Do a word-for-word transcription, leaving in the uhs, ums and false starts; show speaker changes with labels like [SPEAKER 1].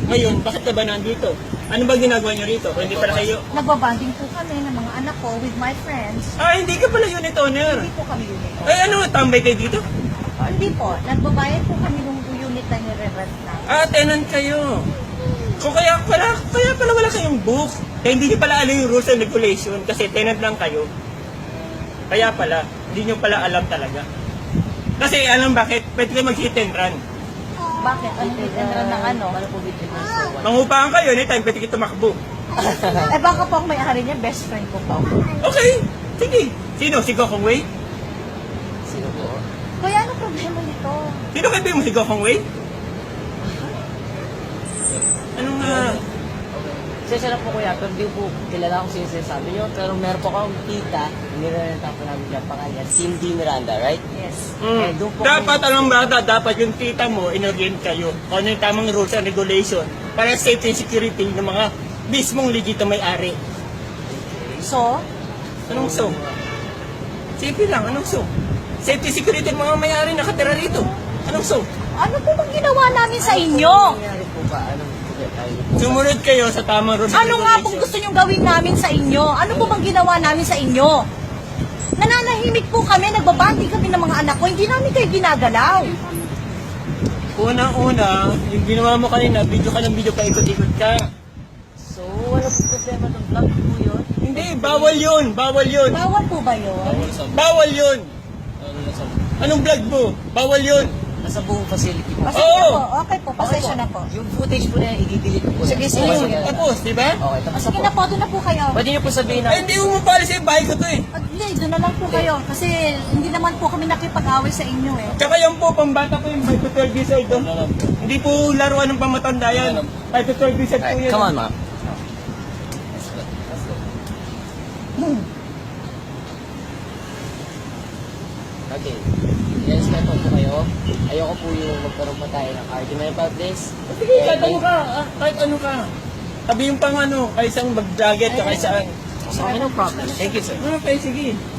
[SPEAKER 1] Ngayon, bakit ka ba nandito? Ano ba ginagawa niyo rito? Kung hindi pala kayo...
[SPEAKER 2] Nagbabanding po kami ng mga anak ko with my friends.
[SPEAKER 1] Ah, hindi ka pala unit owner.
[SPEAKER 2] Hindi po kami unit.
[SPEAKER 1] Ay, ano, tambay kayo dito?
[SPEAKER 2] Ah, hindi po. Nagbabayad po kami ng unit na nire-rent na.
[SPEAKER 1] Ah, tenant kayo. Kung kaya pala, kaya pala wala kayong book. Kaya hindi niyo pala alam yung rules and regulation kasi tenant lang kayo. Kaya pala, hindi niyo pala alam talaga. Kasi alam bakit? Pwede kayo mag-hit and run.
[SPEAKER 2] Bakit? Ano hit and run ng ano?
[SPEAKER 1] Mangupahan kayo, anytime pwede kayo tumakbo.
[SPEAKER 2] Eh baka po ang may-ari niya, best friend ko po.
[SPEAKER 1] Okay, sige. Sino? Si Gokong Wei?
[SPEAKER 3] Sino po?
[SPEAKER 2] Kuya, ano problema nito?
[SPEAKER 1] Sino kayo mo si Gokong Wei? Anong nga?
[SPEAKER 3] Sensya na po kuya, pero di po kilala kung sino sinasabi nyo. Pero meron po akong tita, nirerenta po namin dyan pangalan, Cindy Miranda, right?
[SPEAKER 2] Yes.
[SPEAKER 3] Eh,
[SPEAKER 1] Mm.
[SPEAKER 3] doon po
[SPEAKER 1] Dapat alam ba, dapat yung tita mo, inorient kayo. Kung ano yung tamang rules and regulation para safety and security ng mga mismong legito may-ari.
[SPEAKER 2] So,
[SPEAKER 1] Anong so? Simple lang, anong so? Safety security ng mga may-ari nakatira rito. Anong so?
[SPEAKER 2] ano po bang ginawa namin sa inyo?
[SPEAKER 3] nangyari po ba? Anong tayo?
[SPEAKER 1] Sumunod kayo sa tamang rules and
[SPEAKER 2] Ano nga pong
[SPEAKER 1] regulation.
[SPEAKER 2] gusto nyong gawin namin sa inyo? Ano po bang ginawa namin sa inyo? Nananahimik po kami, nagbabanding kami ng mga anak ko, hindi namin kayo ginagalaw.
[SPEAKER 1] Unang-una, yung ginawa mo kanina, video ka ng video, paikot-ikot ka.
[SPEAKER 3] So, wala po problema ng vlog po yun.
[SPEAKER 1] Hindi, bawal yun, bawal yun.
[SPEAKER 2] Bawal po ba yun?
[SPEAKER 1] Bawal yun. Anong vlog mo? Bawal yun.
[SPEAKER 3] Nasa buong facility po.
[SPEAKER 2] Pasensya
[SPEAKER 1] Oo.
[SPEAKER 2] po, okay po, pasensya na po.
[SPEAKER 3] Yung footage po na yan, i-delete ko po.
[SPEAKER 2] Sige, sige,
[SPEAKER 3] Okay,
[SPEAKER 2] sige.
[SPEAKER 3] okay.
[SPEAKER 1] Tapos, di ba?
[SPEAKER 3] Okay, tapos na
[SPEAKER 2] Sige
[SPEAKER 3] po.
[SPEAKER 2] na po, doon na po kayo.
[SPEAKER 3] Pwede niyo po sabihin na,
[SPEAKER 1] Eh, hindi mo mapalis yung bahay ko to eh.
[SPEAKER 2] At hindi, doon na lang po kayo. Kasi hindi naman po kami nakipag-away sa inyo eh.
[SPEAKER 1] Tsaka yan po, pambata po yung five to twelve years old. oh. Hindi po laruan ng pamatanda yan. five to twelve years old po yan.
[SPEAKER 3] come on ma'am. Okay. Yes, meron po kayo. Ayoko po yung magkaroon pa tayo ng argument about this.
[SPEAKER 1] Sige, kahit ano ka. ah, Kahit ano ka. Sabi yung pang ano, kaysang mag-jacket ka kaysaan.
[SPEAKER 3] So, okay, no problem. Thank you, sir.
[SPEAKER 1] Okay, sige.